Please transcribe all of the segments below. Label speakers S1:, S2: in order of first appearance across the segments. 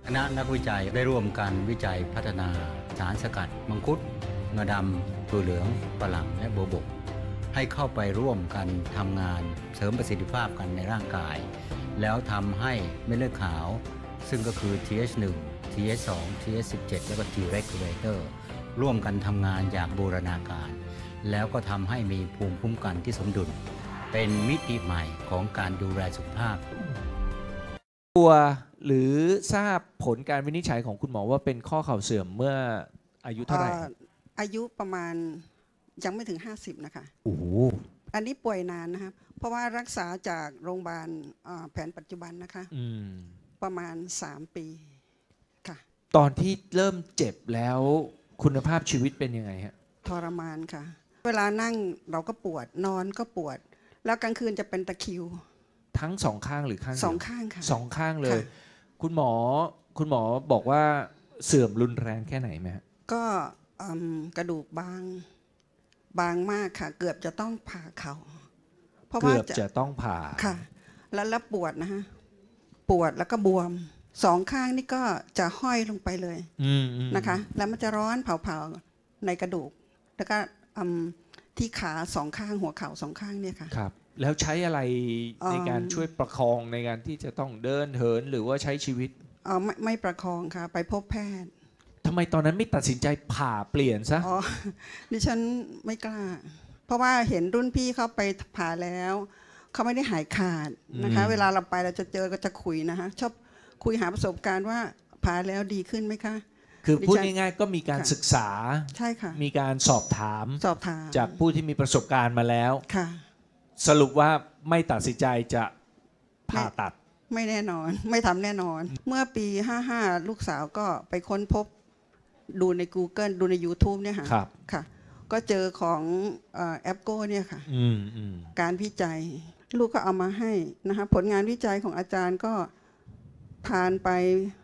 S1: คณะนักวิจัยได้ร่วมกันวิจัยพัฒนาสารสกัดมังคุดงาดำถั่วเหลืองฝรั่งและโบวบกให้เข้าไปร่วมกันทำงานเสริมประสิทธิภาพกันในร่างกายแล้วทำให้เม็ดเลือดขาวซึ่งก็คือ TH1 TH2 TH17 และก็ T regulator ร่วมกันทำงานอย่างบูรณาการแล้วก็ทำให้มีภูมิคุ้มกันที่สมดุลเป็นมิติใหม่ของการดูแลสุขภาพ
S2: ตัวหรือทราบผลการวินิจฉัยของคุณหมอว่าเป็นข้อเข่าเสื่อมเมื่ออายุเท่าไหร่
S3: อายุประมาณยังไม่ถึง50นะคะ
S2: โอ้โห
S3: อันนี้ป่วยนานนะครับเพราะว่ารักษาจากโรงพยาบาลแผนปัจจุบันนะคะประมาณ3 ปีค่ะ
S2: ตอนที่เริ่มเจ็บแล้วคุณภาพชีวิตเป็นยังไงฮะ
S3: ทรมานค่ะเวลานั่งเราก็ปวดนอนก็ปวดแล้วกลางคืนจะเป็นตะคริว
S2: ทั้งสองข้างหรือข้างเดียว
S3: สองข้างค่ะ
S2: สองข้างเลยคุณหมอบอกว่าเสื่อมรุนแรงแค่ไหนไหมฮะ
S3: ก็กระดูกบางมากค่ะเกือบจะต้องผ่าเข่า
S2: เพราะว่าเกือบจะต้องผ่า
S3: ค่ะแล้วปวดนะฮะปวดแล้วก็บวมสองข้างนี่ก็จะห้อยลงไปเลยนะคะแล้วมันจะร้อนเผาในกระดูกแล้วก็ที่ขาสองข้างหัวเข่าสองข้างเนี่ยค่ะ
S2: ครับแล้วใช้อะไรในการช่วยประคองในการที่จะต้องเดินเหินหรือว่าใช้ชีวิต
S3: ไม่ประคองค่ะไปพบแพทย์
S2: ทำไมตอนนั้นไม่ตัดสินใจผ่าเปลี่ยนซะ
S3: ดิฉันไม่กล้าเพราะว่าเห็นรุ่นพี่เขาไปผ่าแล้วเขาไม่ได้หายขาดนะคะเวลาเราไปเราจะเจอก็จะคุยนะคะชอบคุยหาประสบการณ์ว่าผ่าแล้วดีขึ้นไหมคะ
S2: คือพูดง่ายๆก็มีการศึกษา
S3: ใช่ค่ะ
S2: มีการสอบถามจากผู้ที่มีประสบการณ์มาแล้ว
S3: ค่ะ
S2: สรุปว่าไม่ตัดสินใจจะผ่าตัด
S3: ไม่แน่นอนไม่ทำแน่นอนเมื่อปี55ลูกสาวก็ไปค้นพบดูใน Google ดูใน YouTube เนี่ยค่ะค่ะก็เจอของแอปโก้เนี่ยค่ะการวิจัยลูกก็เอามาให้นะคะผลงานวิจัยของอาจารย์ก็ผ่านไป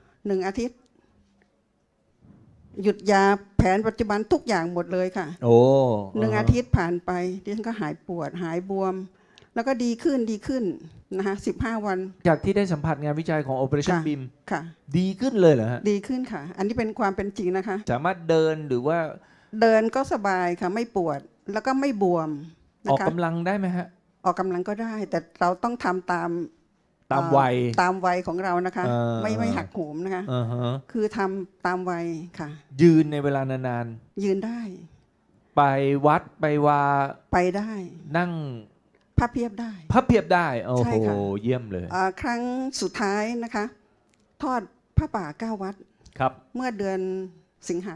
S3: 1 อาทิตย์หยุดยาแผนปัจจุบันทุกอย่างหมดเลยค่ะ1 อาทิตย์ผ่านไปดิฉันก็หายปวดหายบวมแล้วก็ดีขึ้นนะคะ15 วัน
S2: จากที่ได้สัมผัสงานวิจัยของ Operation BIM
S3: ค่ะ
S2: ดีขึ้นเลยเหรอฮะ
S3: ดีขึ้นค่ะอันนี้เป็นความเป็นจริงนะคะ
S2: สามารถเดินหรือว่า
S3: เดินก็สบายค่ะไม่ปวดแล้วก็ไม่บวม
S2: ออกกำลังได้ไหมฮะ
S3: ออกกำลังก็ได้แต่เราต้องทำตาม
S2: วัย
S3: ของเรานะคะไม่หักโหมนะคะคือทำตามวัยค่ะ
S2: ยืนในเวลานาน
S3: ๆยืนได้
S2: ไปวัดไปวา
S3: ไปได้
S2: นั่ง
S3: พับเพียบได้
S2: โอ้โหเยี่ยมเลย
S3: ครั้งสุดท้ายนะคะทอดผ้าป่า9 วัด
S2: ครับ
S3: เมื่อเดือนสิงหา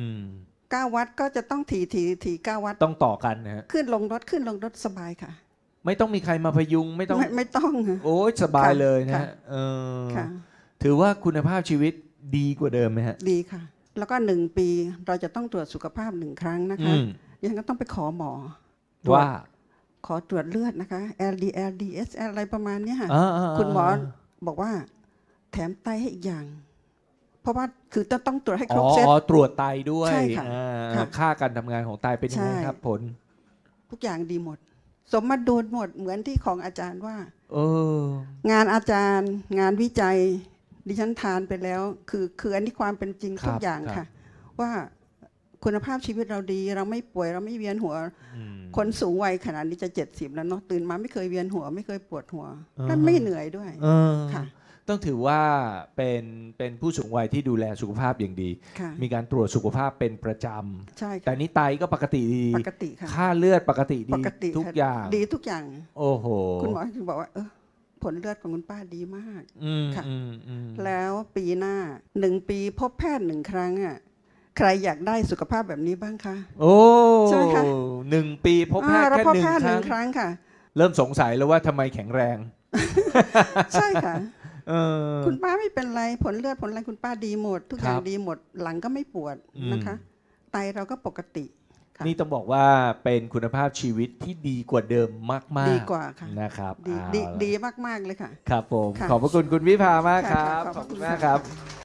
S3: 9 วัดก็จะต้องถี่9 วัด
S2: ต้องต่อกันนะฮะ
S3: ขึ้นลงรถสบายค่ะ
S2: ไม่ต้องมีใครมาพยุงไม่ต้องโอ้ยสบายเลยนะฮะถือว่าคุณภาพชีวิตดีกว่าเดิมไหมฮะ
S3: ดีค่ะแล้วก็1 ปีเราจะต้องตรวจสุขภาพ1 ครั้งนะคะยังก็ต้องไปขอหมอ
S2: ว่า
S3: ขอตรวจเลือดนะคะ LDL DSL อะไรประมาณนี้ค่ะคุณหมอบอกว่าแถมไตให้อีกอย่างเพราะว่าคือต้องตรวจให้ครบเซต
S2: ตรวจไตด้วย
S3: ใช่ค่ะ
S2: ค่าการทำงานของไตเป็นยังไงครับผล
S3: ทุกอย่างดีหมดสมดุลหมดเหมือนที่ของอาจารย์ว่างานอาจารย์งานวิจัยดิฉันทานไปแล้วคืออันนี้ความเป็นจริงทุกอย่างค่ะว่าคุณภาพชีวิตเราดีเราไม่ป่วยเราไม่เวียนหัวคนสูงวัยขนาดนี้จะ70แล้วเนาะตื่นมาไม่เคยเวียนหัวไม่เคยปวดหัวและไม่เหนื่อยด้วยค่ะ
S2: ต้องถือว่าเป็นผู้สูงวัยที่ดูแลสุขภาพอย่างดีมีการตรวจสุขภาพเป็นประจำ
S3: ใช่
S2: แต่นี้ไตก็ปกติดีค่าเลือดปกติดีทุกอย่าง
S3: ดีทุกอย่าง
S2: โอ้โห
S3: คุณหมอถึงบอกว่าผลเลือดของคุณป้าดีมากค่ะแล้วปีหน้า1 ปีพบแพทย์1 ครั้งอ่ะใครอยากได้สุขภาพแบบนี้บ้างคะ
S2: โอ้ใช่ไหมคะ1 ปีพบแพทย์แค่
S3: 1 ครั้งค่ะ
S2: เริ่มสงสัยแล้วว่าทำไมแข็งแรง
S3: ใช่ค่ะคุณป้าไม่เป็นไรผลเลือดผลอะไรคุณป้าดีหมดทุกอย่างดีหมดหลังก็ไม่ปวดนะคะไตเราก็ปกติ
S2: นี่ต้องบอกว่าเป็นคุณภาพชีวิตที่ดีกว่าเดิมมากๆ
S3: ดีกว่าค่ะ
S2: นะครับ
S3: ดีมากๆเลยค่ะ
S2: ครับผมขอบพระคุณคุณวิภามากครับขอบคุณมากครับ